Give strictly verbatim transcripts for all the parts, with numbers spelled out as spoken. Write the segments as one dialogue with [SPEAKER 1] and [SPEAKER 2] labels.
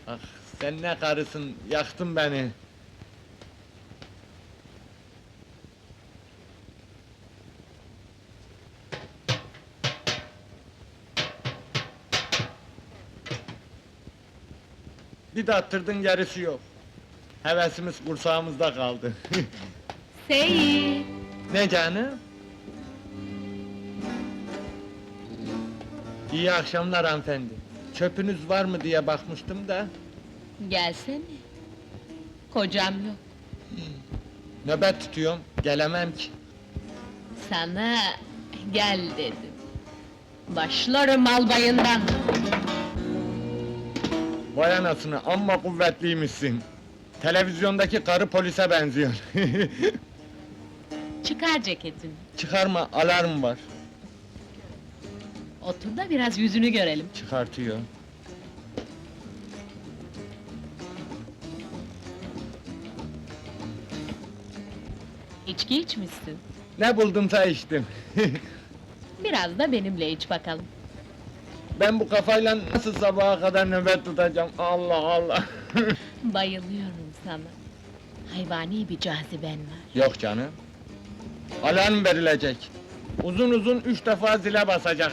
[SPEAKER 1] Ah, sen ne karısın, yaktın beni! Bir de attırdın, gerisi yok. Hevesimiz kursağımızda kaldı.
[SPEAKER 2] Seyit!
[SPEAKER 1] Ne canım? İyi akşamlar hanımefendi. Çöpünüz var mı diye bakmıştım da...
[SPEAKER 2] Gelsene! Kocam yok.
[SPEAKER 1] Nöbet tutuyorum, gelemem ki.
[SPEAKER 2] Sana gel dedim. Başlarım albayından!
[SPEAKER 1] Vay anasını, amma kuvvetliymişsin. Televizyondaki karı polise benziyor.
[SPEAKER 2] Çıkar ceketini.
[SPEAKER 1] Çıkarma, alarm var.
[SPEAKER 2] Otur da biraz yüzünü görelim.
[SPEAKER 1] Çıkartıyor.
[SPEAKER 2] İçki içmişsin.
[SPEAKER 1] Ne buldumsa içtim.
[SPEAKER 2] Biraz da benimle iç bakalım.
[SPEAKER 1] Ben bu kafayla nasıl sabaha kadar nöbet tutacağım? Allah Allah!
[SPEAKER 2] Bayılıyorum sana. Hayvani bir caziben var.
[SPEAKER 1] Yok canım. Alarm verilecek. Uzun uzun üç defa zile basacak.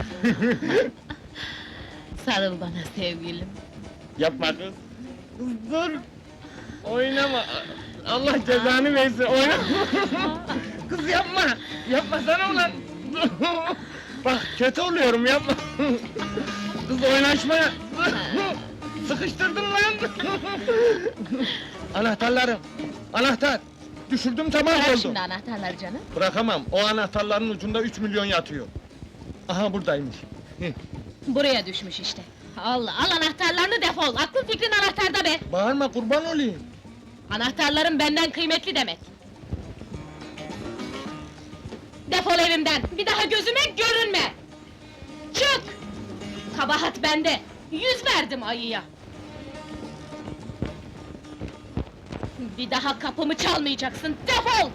[SPEAKER 2] Sarıl bana sevgilim.
[SPEAKER 1] Yapma kız! Kız dur! Oynama! Allah cezanı versin, oynama! Kız yapma! Yapmasana ulan! Bak, kötü oluyorum, yapma! Kız oynaşma! Sıkıştırdın lan! Anahtarlarım! Anahtar! Düşürdüm, tamam
[SPEAKER 2] Bırak
[SPEAKER 1] oldu!
[SPEAKER 2] şimdi anahtarları canım.
[SPEAKER 1] Bırakamam, o anahtarların ucunda üç milyon yatıyor. Aha, buradaymış!
[SPEAKER 2] Buraya düşmüş işte. Allah, al anahtarlarını defol! Aklın fikrin anahtarda be!
[SPEAKER 1] Bağırma, kurban olayım!
[SPEAKER 2] Anahtarların benden kıymetli demek! Defol evimden! Bir daha gözüme görünme! Çık! Kabahat bende! Yüz verdim ayıya! Bir daha kapımı çalmayacaksın, defol!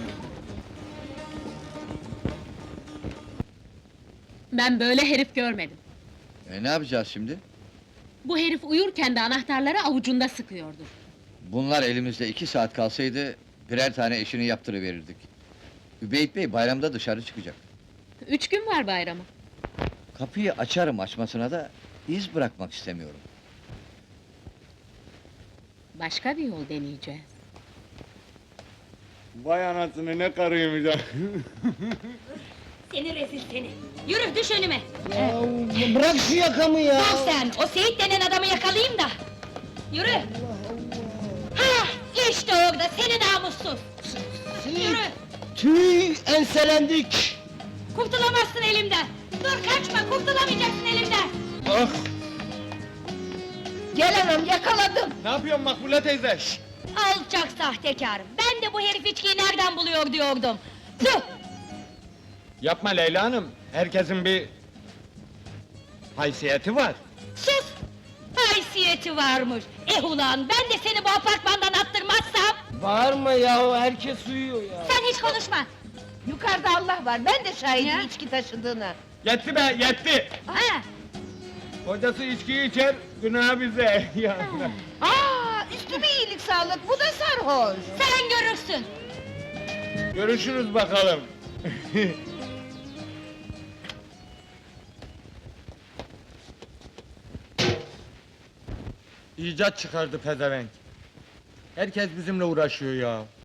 [SPEAKER 2] Ben böyle herif görmedim.
[SPEAKER 3] E ne yapacağız şimdi?
[SPEAKER 2] Bu herif uyurken de anahtarları avucunda sıkıyordur.
[SPEAKER 3] Bunlar elimizde iki saat kalsaydı, birer tane işini yaptırıverirdik. Übeyt Bey bayramda dışarı çıkacak.
[SPEAKER 2] Üç gün var bayrama.
[SPEAKER 3] Kapıyı açarım açmasına da, iz bırakmak istemiyorum.
[SPEAKER 2] Başka bir yol deneyeceğiz.
[SPEAKER 1] Vay anasını, ne karıymış ha!
[SPEAKER 4] Seni rezil seni! Yürü, düş önüme!
[SPEAKER 5] Ya bırak şu yakamı ya!
[SPEAKER 4] Dur sen, o Seyit denen adamı yakalayayım da! Yürü! Ha, işte orada, seni namussuz! Yürü!
[SPEAKER 5] Tüy, enselendik!
[SPEAKER 4] Kurtulamazsın elimden! Dur kaçma, kurtulamayacaksın elimden!
[SPEAKER 1] Ah!
[SPEAKER 4] Gel anam, yakaladım!
[SPEAKER 1] Ne yapıyorsun Makbule teyze? Şşt!
[SPEAKER 4] Alçak sahtekarım! Ben de bu herif içkiyi nereden buluyor diyordum! Tüh!
[SPEAKER 1] Yapma Leyla Hanım, herkesin bir... haysiyeti var.
[SPEAKER 4] Sus! Haysiyeti varmış! Eh ulan, ben de seni bu apartmandan attırmazsam...
[SPEAKER 5] Bağırma ya, herkes uyuyor ya!
[SPEAKER 4] Sen hiç konuşma!
[SPEAKER 6] Yukarıda Allah var, ben de şahidim
[SPEAKER 4] Ya.
[SPEAKER 6] içki taşıdığına.
[SPEAKER 1] Yetti be, yetti!
[SPEAKER 4] Ha!
[SPEAKER 1] Kocası içkiyi içer, günah bize! Ya.
[SPEAKER 6] Aa, üstüme iyilik sağlık, bu da sarhoş!
[SPEAKER 4] Sen görürsün!
[SPEAKER 1] Görüşürüz bakalım! İcat çıkardı pezevenk! Herkes bizimle uğraşıyor ya!